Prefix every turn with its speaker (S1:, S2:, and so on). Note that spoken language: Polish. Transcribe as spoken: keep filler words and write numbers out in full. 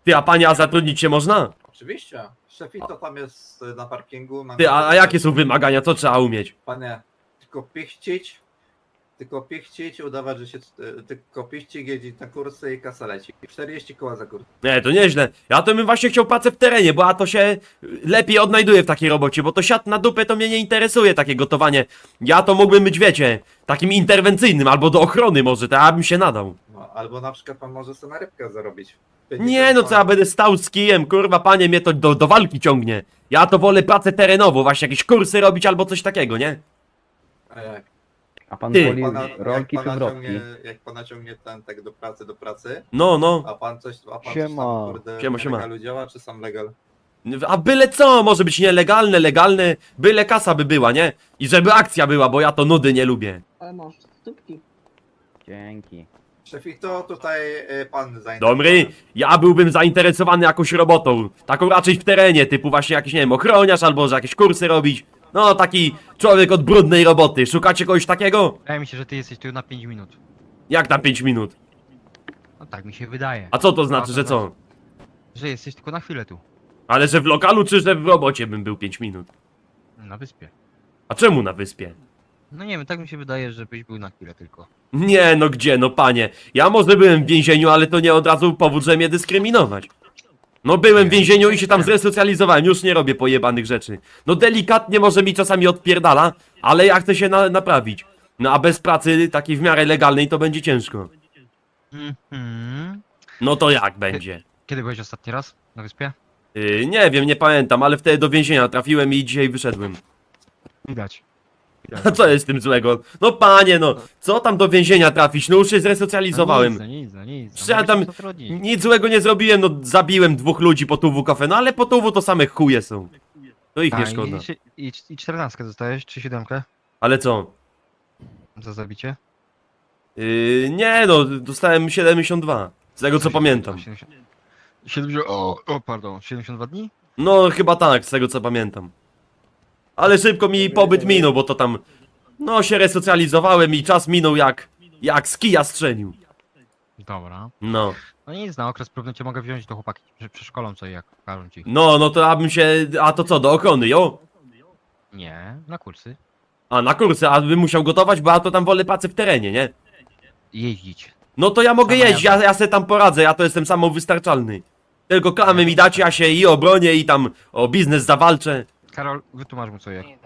S1: Ty, a panie, a zatrudnić się można?
S2: Oczywiście. Szefito tam jest y, na parkingu. Na
S1: Ty, a, a jakie są wymagania, co trzeba umieć?
S2: Panie, tylko pichcić, tylko pichcić, udawać, że się, y, tylko pichcić, jeździć na kursy i kasa leci. czterdzieści koła za kurs.
S1: Nie, to nieźle. Ja to bym właśnie chciał pracę w terenie, bo ja to się lepiej odnajduję w takiej robocie, bo to siat na dupę to mnie nie interesuje, takie gotowanie. Ja to mógłbym być, wiecie, takim interwencyjnym, albo do ochrony może, to ja bym się nadał.
S2: No, albo na przykład pan może sobie na rybkę zarobić.
S1: Nie no, co ja będę stał z kijem, kurwa panie, mnie to do, do walki ciągnie. Ja to wolę pracę terenową, właśnie jakieś kursy robić albo coś takiego, nie?
S2: A jak?
S3: A pan
S1: Ty.
S3: woli
S2: Pana, jak
S3: rolki czy
S2: pana
S3: wrotki?
S2: ciągnie, jak pana ciągnie ten tak do pracy, do pracy,
S1: No, no.
S2: a pan coś, a pan
S3: Siema.
S2: coś tam, kurde,
S1: Siema, siema.
S2: legalu działa, czy sam legal?
S1: A byle co, może być nielegalne, legalne, byle kasa by była, nie? I żeby akcja była, bo ja to nudy nie lubię.
S4: Ale masz stópki.
S3: Dzięki.
S2: Szefito, tutaj y, pan zainteresowany.
S1: Dobry, ja byłbym zainteresowany jakąś robotą, taką raczej w terenie, typu właśnie jakiś, nie wiem, ochroniarz albo że jakieś kursy robić. No, taki człowiek od brudnej roboty. Szukacie kogoś takiego?
S5: Wydaje mi się, że ty jesteś tu na pięć minut.
S1: Jak na pięć minut?
S5: No tak mi się wydaje.
S1: A co to znaczy, że co?
S5: Że jesteś tylko na chwilę tu.
S1: Ale że w lokalu, czy że w robocie bym był pięć minut?
S5: Na wyspie.
S1: A czemu na wyspie?
S5: No nie wiem, tak mi się wydaje, żebyś był na chwilę tylko.
S1: Nie, no gdzie, no panie. Ja może byłem w więzieniu, ale to nie od razu powód, że mnie dyskryminować. No byłem w więzieniu i się tam zresocjalizowałem, już nie robię pojebanych rzeczy. No delikatnie może mi czasami odpierdala, ale ja chcę się na naprawić. No a bez pracy takiej w miarę legalnej to będzie ciężko.
S5: Mhm.
S1: No to jak będzie?
S5: Kiedy byłeś ostatni raz na wyspie?
S1: Yy, nie wiem, nie pamiętam, ale wtedy do więzienia trafiłem i dzisiaj wyszedłem.
S5: Widać.
S1: A co jest z tym złego? No panie, no, co tam do więzienia trafić? No już się zresocjalizowałem.
S5: No nic, no nic, no nic.
S1: Przecież ja tam nic złego nie zrobiłem, no zabiłem dwóch ludzi po tuwu kafe, no ale po tuwu to same chuje są. To ich nie szkoda.
S5: I, i, I czternastkę dostajesz, czy siódemkę?
S1: Ale co?
S5: Za zabicie?
S1: Yy, nie no, dostałem siedemdziesiąt dwa. Z tego co pamiętam.
S5: siedemdziesiąt, siedemdziesiąt, o, o, pardon, siedemdziesiąt dwa dni?
S1: No chyba tak, z tego co pamiętam. Ale szybko mi pobyt minął, bo to tam... No się resocjalizowałem i czas minął jak... Jak z kija strzelił.
S5: Dobra.
S1: No.
S5: No nic, na okres próbny cię mogę wziąć do chłopaki. Prze- Przeszkolą co i jak pokażą ci.
S1: No, no to ja bym się... A to co, do ochrony, jo?
S5: Nie, na kursy.
S1: A na kursy, a bym musiał gotować, bo ja to tam wolę pracę w terenie, nie?
S5: Jeździć.
S1: No to ja mogę
S5: Sama
S1: jeść, ja,
S5: jazda.
S1: ja se tam poradzę, ja to jestem samowystarczalny. Tylko klamy mi dacie, ja się i obronię i tam o biznes zawalczę.
S5: Karol, wytłumacz mu co i jak.